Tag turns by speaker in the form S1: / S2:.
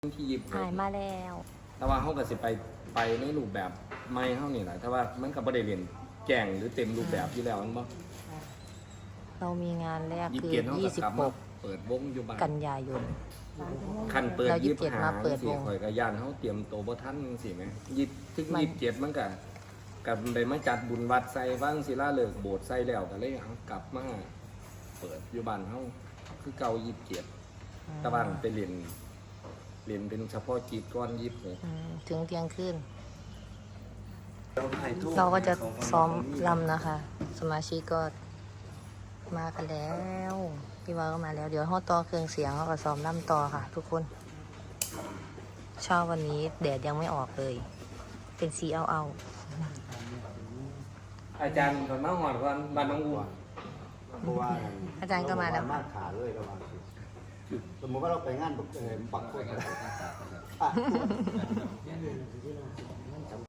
S1: ที่ยิบ
S2: หายมาแล้ว
S1: แต่ว่าเขาก็สิไปในรูปแบบไม่เขานี่แหละแต่ว่ามันก็บ่ได้เรียนแก่งหรือเต็มรูปแบบอยู่แล้วมันบ่
S2: เรามีงานแรก
S1: ยิบ
S2: คือ
S1: เกียรติเขาก็กลับมาเปิดวงอยู่บ้าน
S2: กันยายน
S1: คันเปิด
S2: เรา
S1: ยิบ
S2: 27
S1: หา
S2: มาเปิด
S1: สิ
S2: วง
S1: ข่อยก็ย่านเขาเตรียมโตวบ่ทันสิแหมยิบถึง
S2: มัน
S1: ยิบเจ็ดมันก็กับได้มาจัดบุญวัดใส่บ้างศิลาฤกษ์โบสถ์ใส่แล้วก็เลยเอากลับมาเปิดอยู่บ้านเฮาคือเก่ายิบเจ็ดแต่ว่าไปเรียนเป็นเฉพาะจิตก้อนยิบเลย
S2: ถึงเที่ยงคืนเราก็จะซ้อมรำนะคะ สมาชิกก็มากันแล้วพี่ว่าก็มาแล้ว เดี๋ยวห้อต่อเครื่องเสียงเขาก็ซ้อมรำต่อค่ะ ทุกคนเช้าวันนี้แดดยังไม่ออกเลย เป็นสีเอา
S1: อาจารย์ก่อนมาหอดก่อนบ้านน้องอู๋
S3: เพราะว่า
S2: อาจารย์ก็มาแล้ว
S3: มาขาเลยระวังสมมติว่าเราไปงานปักคน